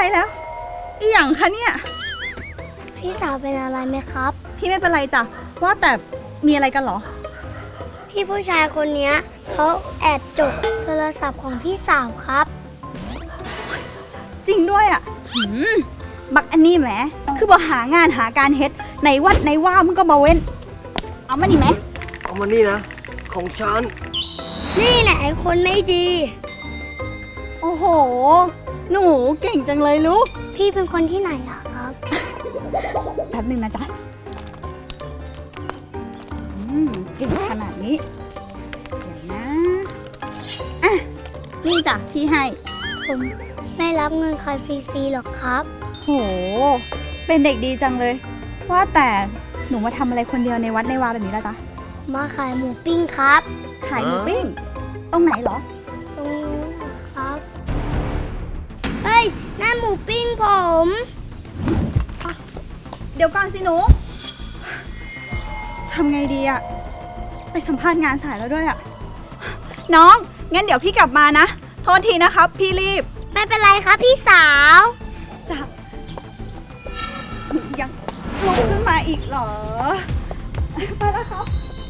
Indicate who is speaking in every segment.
Speaker 1: แล้วอีหยังคะเนี่ย
Speaker 2: พี่สาวเป็นอะไรไหมครับ
Speaker 1: พี่ไม่เป็นไรจ้ะว่าแต่มีอะไรกันเหรอ
Speaker 2: พี่ผู้ชายคนนี้เขาแอบจกโทรศัพท์ของพี่สาวครับ
Speaker 1: จริงด้วยอ่ะบักอันนี้แหมคือบ่หางานหาการเฮ็ดในวัดในว่ามึงก็มาเว้นเอามานี่ไหม
Speaker 3: เอามานี่นะของฉัน
Speaker 2: นี่แหละไอ้คนไม่ดี
Speaker 1: โอ้โหหนูเก่งจังเลยลูก
Speaker 2: พี่เป็นคนที่ไหนล่ะครับ
Speaker 1: แป๊บนึงนะจ๊ะเก่งขนาดนี้เดี๋ยวนะอ่ะนี่จ้ะพี่ให้
Speaker 2: ผมไม่รับเงินใครฟรีๆหรอกครับ
Speaker 1: โหเป็นเด็กดีจังเลยว่าแต่หนูมาทำอะไรคนเดียวในวัดในวาแบบนี้ล่ะจ๊ะ
Speaker 2: มาขายหมูปิ้งครับ
Speaker 1: ขายหมูปิ้งตรงไหนเหรอ
Speaker 2: ตรงนู้นครับเฮ้ยนั่นหมูปิ้งผม
Speaker 1: เดี๋ยวก่อนสิหนูทำไงดีอะไปสัมภาษณ์งานสายแล้วด้วยอะน้องงั้นเดี๋ยวพี่กลับมานะโทษทีนะครับพี่รีบ
Speaker 2: ไม่เป็นไรครับพี่สาว
Speaker 1: จ้ะยังลุกขึ้นมาอีกเหรอไปแล้วครับ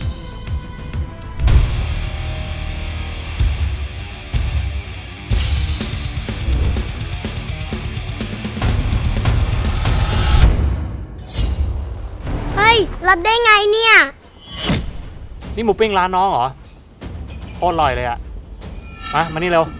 Speaker 2: เฮ้ยรับได้ไงเนี่ย
Speaker 4: นี่หมูปิ้งร้านน้องเหรอโคตรอร่อยเลยอะมานี่เร็ว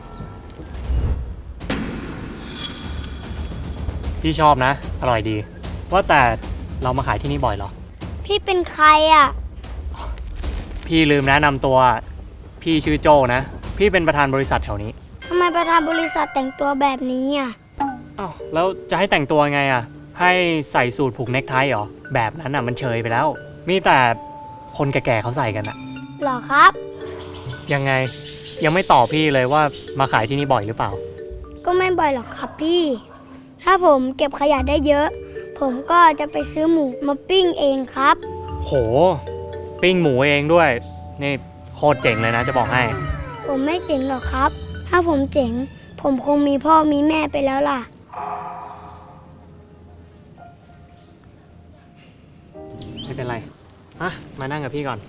Speaker 4: พี่ชอบนะอร่อยดีว่าแต่เรามาขายที่นี่บ่อยเหรอ
Speaker 2: พี่เป็นใครอ่ะ
Speaker 4: พี่ลืมแนะนำตัวพี่ชื่อโจนะพี่เป็นประธานบริษัทแถวนี้
Speaker 2: ทำไมประธานบริษัทแต่งตัวแบบนี้อ่ะ
Speaker 4: อ้าวแล้วจะให้แต่งตัวไงอ่ะให้ใส่สูทผูกเนคไทเหรอแบบนั้นอ่ะมันเชยไปแล้วมีแต่คนแก่ๆเขาใส่กันอ่ะ
Speaker 2: หรอครับ
Speaker 4: ยังไงยังไม่ตอบพี่เลยว่ามาขายที่นี่บ่อยหรือเปล่า
Speaker 2: ก็ไม่บ่อยหรอกครับพี่ถ้าผมเก็บขยะได้เยอะผมก็จะไปซื้อหมูมาปิ้งเองครับ
Speaker 4: โหปิ้งหมูเองด้วยนี่โคตรเจ๋งเลยนะจะบอกให้
Speaker 2: ผมไม่เจ๋งหรอกครับถ้าผมเจ๋งผมคงมีพ่อมีแม่ไปแล้วล่ะ
Speaker 4: ไม่เป็นไรมานั่งกับพี่ก่อน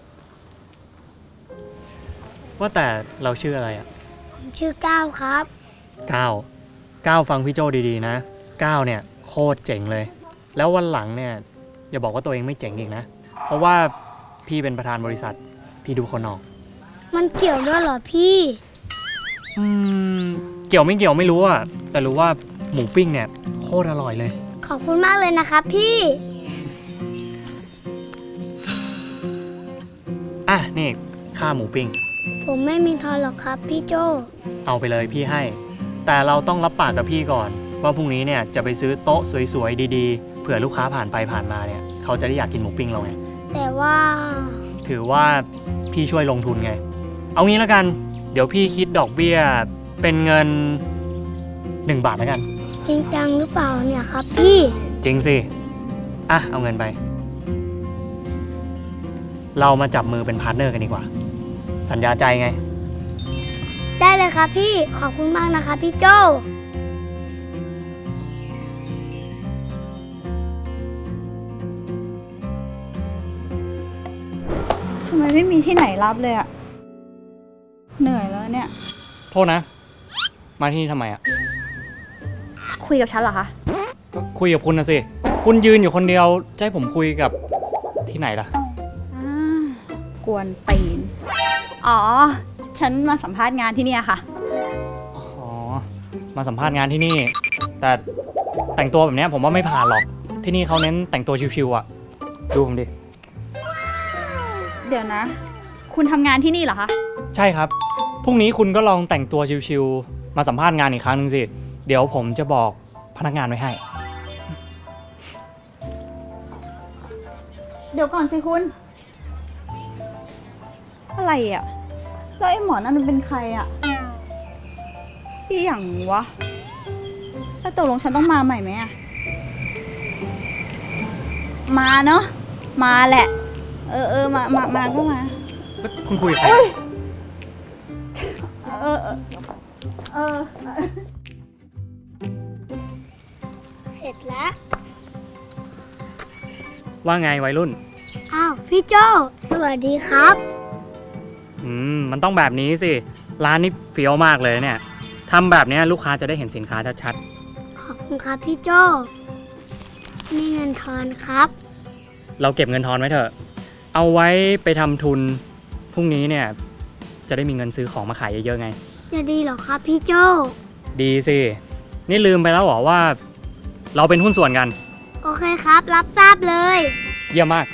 Speaker 4: ว่าแต่เราชื่ออะไรอ่ะ
Speaker 2: ผมชื่อก้าวครับ
Speaker 4: ก้าวฟังพี่โจดีๆนะก้าวเนี่ยโคตรเจ๋งเลยแล้ววันหลังเนี่ยอย่าบอกว่าตัวเองไม่เจ๋งอีกนะเพราะว่าพี่เป็นประธานบริษัทพี่ดูคนออก
Speaker 2: มันเกี่ยวด้วยเหรอพี่
Speaker 4: เกี่ยวไม่เกี่ยวไม่รู้อะแต่รู้ว่าหมูปิ้งเนี่ยโคตรอร่อยเลย
Speaker 2: ขอบคุณมากเลยนะครับพี่
Speaker 4: นี่ค่าหมูปิ้ง
Speaker 2: ผมไม่มีทอนหรอกครับพี่โจ
Speaker 4: เอาไปเลยพี่ให้แต่เราต้องรับปากกับพี่ก่อนว่าพรุ่งนี้เนี่ยจะไปซื้อโต๊ะสวยๆดีๆเผื่อลูกค้าผ่านไปผ่านมาเนี่ยเขาจะได้อยากกินหมูปิ้งเราไง
Speaker 2: แต่ว่า
Speaker 4: ถือว่าพี่ช่วยลงทุนไงเอางี้แล้วกันเดี๋ยวพี่คิดดอกเบี้ยเป็นเงิน1 บาทแล้วกัน
Speaker 2: จริงจังหรือเปล่าเนี่ยครับพี่
Speaker 4: จริงสิเอาเงินไปเรามาจับมือเป็นพาร์ทเนอร์กันดีกว่าสัญญาใจไง
Speaker 2: ได้เลยครับพี่ขอบคุณมากนะคะพี่โจ
Speaker 1: ทำไมไม่มีที่ไหนรับเลยอะเหนื่อยแล้วเนี่ย
Speaker 4: โทษนะมาที่นี่ทำไมอะ
Speaker 1: คุยกับฉันเหรอคะ
Speaker 4: คุยกับคุณนะสิคุณยืนอยู่คนเดียวจะให้ผมคุยกับที่ไหนล่ะ
Speaker 1: กวนตีนอ๋อฉันมาสัมภาษณ์งานที่นี่ค่ะ
Speaker 4: มาสัมภาษณ์งานที่นี่แต่แต่งตัวแบบนี้ผมว่าไม่ผ่านหรอกที่นี่เขาเน้นแต่งตัวชิวๆอ่ะดูผมดิ
Speaker 1: เดี๋ยวนะคุณทำงานที่นี่เหรอคะ
Speaker 4: ใช่ครับพรุ่งนี้คุณก็ลองแต่งตัวชิวๆมาสัมภาษณ์งานอีกครั้งนึงสิเดี๋ยวผมจะบอกพนักงานไว้ให้
Speaker 1: เดี๋ยวก่อนสิคุณอะไรอ่ะแล้วไอ้หมอนั่นมันเป็นใครอ่ะพี่อย่างวะแล้วตกลงฉันต้องมาใหม่ไหมอ่ะมาเนาะมาแหละมาก็มา
Speaker 4: คุณคุยกับใคร
Speaker 2: เสร็จแล้ว
Speaker 4: ว่าไงวัยรุ่น
Speaker 2: อ้าวพี่โจสวัสดีครับ
Speaker 4: มันต้องแบบนี้สิ ร้านนี้เฟี้ยวมากเลยเนี่ยทำแบบนี้ลูกค้าจะได้เห็นสินค้าชัด
Speaker 2: ขอบคุณครับพี่โจนี่เงินทอนครับ
Speaker 4: ๆเราเก็บเงินทอนไว้เถอะ เอาไว้ไปทำทุนพรุ่งนี้เนี่ยจะได้มีเงินซื้อของมาขายเยอะๆไง
Speaker 2: จะดีเหรอครับพี่โจ
Speaker 4: ดีสิ นี่ลืมไปแล้วเหรอว่า เราเป็นหุ้นส่วนกัน
Speaker 2: โอเคครับ รับทราบเลย
Speaker 4: เยี่ยมมาก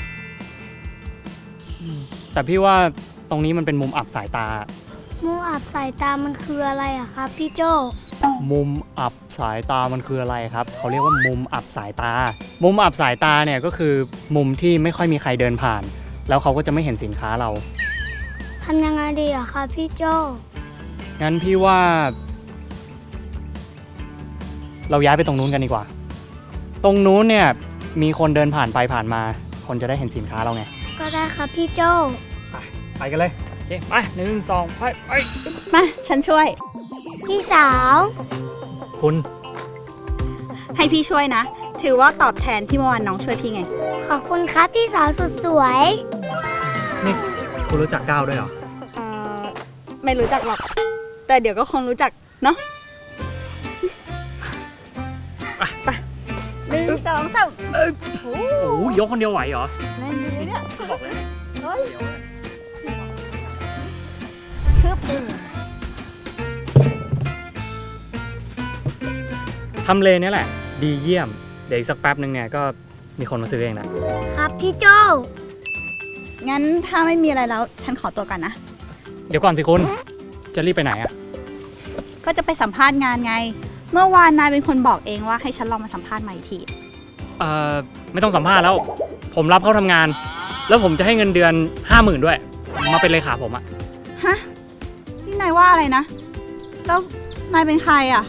Speaker 4: แต่พี่ว่าตรงนี้มันเป็นมุมอับสายตา
Speaker 2: มุมอับสายตามันคืออะไรอะครับพี่โจ
Speaker 4: มุมอับสายตามันคืออะไรครับ เขาเรียกว่ามุมอับสายตา มุมอับสายตาเนี่ยก็คือมุมที่ไม่ค่อยมีใครเดินผ่าน แล้วเขาก็จะไม่เห็นสินค้าเรา
Speaker 2: ทำยังไงดีอะครับพี่โจ
Speaker 4: งั้นพี่ว่า เราย้ายไปตรงนู้นกันดีกว่า ตรงนู้นเนี่ยมีคนเดินผ่านไปผ่านมา คนจะได้เห็นสินค้าเราไง
Speaker 2: ก็ได้ครับพี่โจ
Speaker 4: ไปกันเลย โอเค ไป1 2 ไป
Speaker 1: มาฉันช่วย
Speaker 2: พี่สาว
Speaker 4: คุณ
Speaker 1: ให้พี่ช่วยนะ ถือว่าตอบแทนที่เมื่อวานน้องช่วยพี่ไง
Speaker 2: ขอบคุณครับพี่สาวสุดสวย
Speaker 4: นี่คุณรู้จักก้าวด้วยเหรอ
Speaker 1: ไม่รู้จักหรอก แต่เดี๋ยวก็คงรู้จักเนาะไป1 2 3โอ้
Speaker 4: โอ้โหยกคนเดียวไหวเหรอ
Speaker 1: แรงอยู่เลยเนี่ย
Speaker 4: บอกเลย
Speaker 1: เฮ้ยฮึบ
Speaker 4: ทำเลเนี่ยแหละ ดีเยี่ยม เดี๋ยวอีกสักแป๊บนึงเนี่ยก็มีคนมาซื้อเองนะครับ
Speaker 2: พี่โจ
Speaker 1: งั้นถ้าไม่มีอะไรแล้ว ฉันขอตัวกันนะ
Speaker 4: เดี๋ยวก่อนสิคุณ จะรีบไปไหนอะ
Speaker 1: ก็จะไปสัมภาษณ์งานไง เมื่อวานนายเป็นคนบอกเองว่าให้ฉันลองมาสัมภาษณ์ใหม่อีกที
Speaker 4: ไม่ต้องสัมภาษณ์แล้ว ผมรับเข้าทำงาน แล้วผมจะให้เงินเดือน 50,000ด้วย มาเป็นเลขาผมอะ
Speaker 1: ฮะ นี่นายว่าอะไรนะ แล้วนายเป็นใครอ่ะ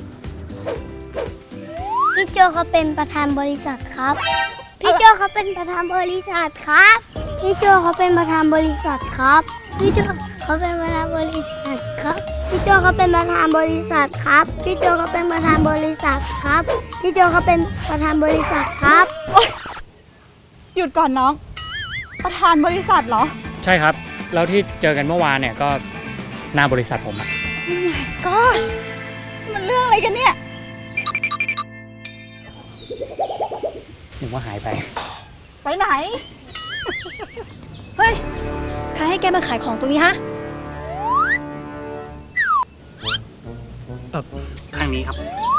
Speaker 2: พี่โจเขาเป็นประธานบริษัทครับ พี่โจเขาเป็นประธานบริษัทครับ พี่โจเขาเป็นประธานบริษัทครับ พี่โจเขาเป็นประธานบริษัทครับ พี่โจเขาเป็นประธานบริษัทครับ พี่โจเขาเป็นประธานบริษัทครับ พี่โจเขาเป็นประธานบริษัทครับ
Speaker 1: หยุดก่อนน้อง ประธานบริษัทเหรอ
Speaker 4: ใช่ครับ แล้วที่เจอกันเมื่อวานเนี่ยก็หน้าบริษัทผมอะ
Speaker 1: Oh my gosh มันเรื่องอะไรกันเนี่ย
Speaker 4: นึกว่าหายไป
Speaker 1: ไปไหน
Speaker 5: เฮ้ย ใครให้แกมาขายของตรงนี้ฮะ
Speaker 4: ข้างนี้ครับ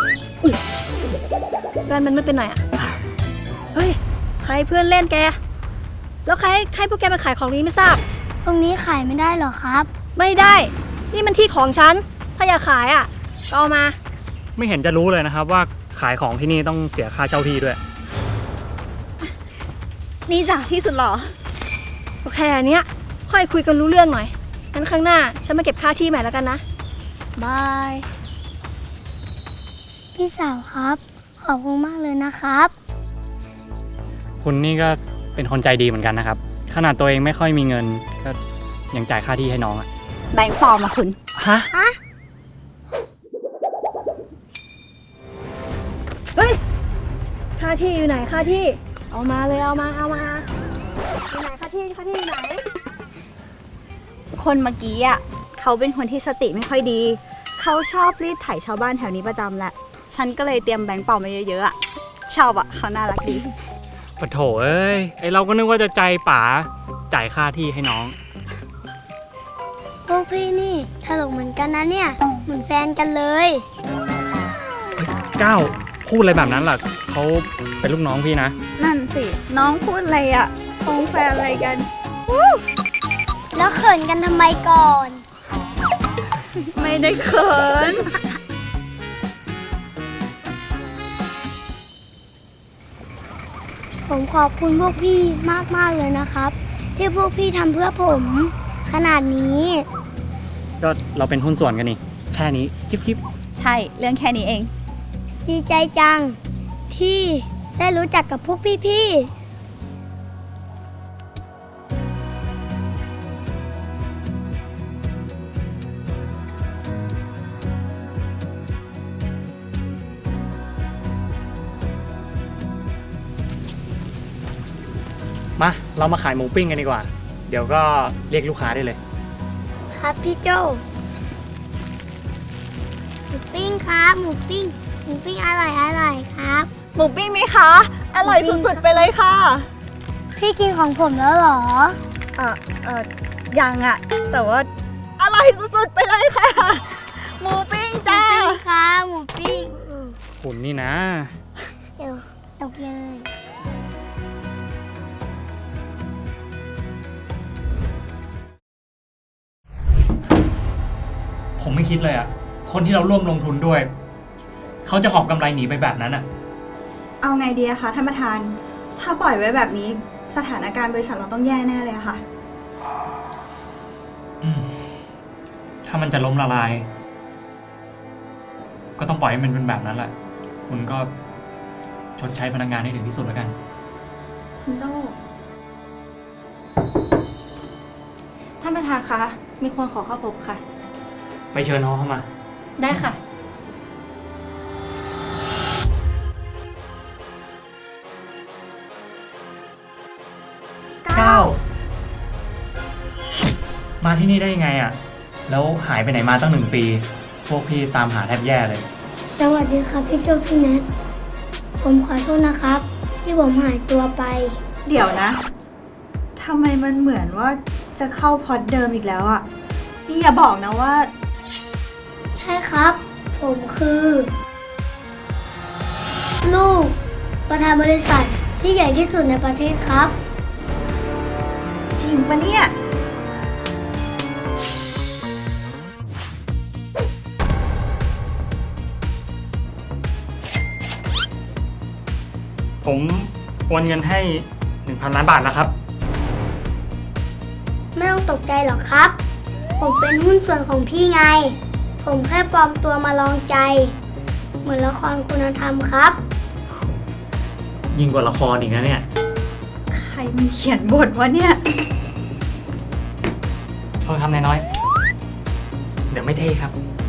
Speaker 5: แว่นมันไม่เป็นหน่อยอะเฮ้ย ใครเพื่อนเล่นแก แล้วใครให้พวกแกมาขายของนี้ไม่ทราบ
Speaker 2: ตรงนี้ขายไม่ได้หรอครับ
Speaker 5: ไม่ได้ นี่มันที่ของฉัน ถ้าอยากขายอะก็เอามา
Speaker 4: ไม่เห็นจะรู้เลยนะครับว่าขายของที่นี่ต้องเสียค่าเช่าที่ด้วย
Speaker 1: นี่จ้ะที่สุดหรอ
Speaker 5: โอเคอันเนี้ย ค่อยคุยกันรู้เรื่องหน่อย งั้นครั้งหน้า ฉันมาเก็บค่าที่ใหม่แล้วกันนะ บาย
Speaker 2: พี่สาวครับ ขอบคุณมากเลยนะครับ
Speaker 4: คุณนี่ก็เป็นคนใจดีเหมือนกันนะครับ ขนาดตัวเองไม่ค่อยมีเงินก็ยังจ่ายค่าที่ให้น้องอะ
Speaker 1: แบงค์ปลอมมาคุณ
Speaker 4: ฮะ
Speaker 5: เฮ้ย ค่าที่อยู่ไหน ค่าที่ เอามาเลย เอามาอยู่ไหน ค่าที่อยู่ไหน
Speaker 1: คนเมื่อกี้อ่ะเขาเป็นคนที่สติไม่ค่อยดี เขาชอบรีดไถชาวบ้านแถวนี้ประจำแหละ ฉันก็เลยเตรียมแบงค์ปลอมมาเยอะๆอ่ะ ชอบอ่ะเขาน่ารักดี
Speaker 4: ปะโถเอ้ย ไอเราก็นึกว่าจะใจป๋าจ่ายค่าที่ให้น้อง
Speaker 2: พวกพี่นี่ตลกเหมือนกันนะเนี่ย เหมือนแฟนกันเลย
Speaker 4: ก้าวพูดอะไรแบบนั้นล่ะเขาเป็นลูกน้องพี่นะ
Speaker 1: นั่นสิ น้องพูดอะไรอ่ะคงแฟนอะไรกัน
Speaker 2: แล้วเขินกันทำไมก่อน
Speaker 1: ไม่ได้เขิน
Speaker 2: ผมขอบคุณพวกพี่มากๆเลยนะครับ ที่พวกพี่ทำเพื่อผมขนาดนี้
Speaker 4: ก็เราเป็นหุ้นส่วนกันนี่ แค่นี้จิ๊บจิ๊บ
Speaker 1: ใช่ เรื่องแค่นี้เอง
Speaker 2: ดีใจจัง ที่ได้รู้จักกับพวกพี่ๆ
Speaker 4: มาเรามาขายหมูปิ้งกันดีกว่า เดี๋ยวก็เรียกลูกค้าได้เลย
Speaker 2: ครับพี่โจหมูปิ้งครับหมูปิ้งอร่อยครับ
Speaker 1: หมูปิ้งไหมคะ อร่อยสุดๆไปเลยค่ะ
Speaker 2: พี่กินของผมแล้วเหรอ
Speaker 1: ยังอะแต่ว่าอร่อยสุดๆไปเลยค่ะ หมูปิ้งจ้า
Speaker 2: หมูปิ้งครับหมูปิ้ง
Speaker 4: คุณนี่นะ
Speaker 2: เดี๋ยวตกเลย
Speaker 4: ผมไม่คิดเลยอะคนที่เราร่วมลงทุนด้วย เขาจะหอบกำไรหนีไปแบบนั้นอะ
Speaker 1: เอาไงดีอะคะท่านประธาน ถ้าปล่อยไว้แบบนี้สถานการณ์บริษัทเราต้องแย่แน่เลยอะค่ะ
Speaker 4: ถ้ามันจะล้มละลาย ก็ต้องปล่อยให้มันเป็นแบบนั้นแหละ คุณก็ชดใช้พนักงานให้ถึงที่สุดแล้วกัน
Speaker 1: คุณโจ้
Speaker 5: ท่านประธานคะมีคนขอเข้าพบค่ะ
Speaker 4: ไปเชิญน้องเข้ามา
Speaker 5: ได้ค่ะ
Speaker 4: มาที่นี่ได้ยังไงอะแล้วหายไปไหนมาตั้ง1 ปี พวกพี่ตามหาแทบแย่เลย
Speaker 2: สวัสดีครับพี่โจพี่นัทผมขอโทษนะครับ ที่ผมหายตัวไป
Speaker 1: เดี๋ยวนะ ทำไมมันเหมือนว่าจะเข้าพอดเดิมอีกแล้วอะนี่อย่าบอกนะว่า
Speaker 2: ใช่ครับ ผมคือ ลูกประธานบริษัทที่ใหญ่ที่สุดในประเทศครับ
Speaker 1: จริงปะเนี่ย
Speaker 4: ผมโอนเงินให้ 1,000 ล้านบาทนะครับ
Speaker 2: ไม่ต้องตกใจหรอกครับ ผมเป็นหุ้นส่วนของพี่ไง ผมแค่ปลอมตัวมาลองใจ เหมือนละครคุณธรรมครับ
Speaker 4: ยิ่งกว่าละครอีกนะเนี่ย
Speaker 1: ใครมันเขียนบทวะเนี่ย
Speaker 4: โทษครับนายน้อย เดี๋ยวไม่เท่ครับ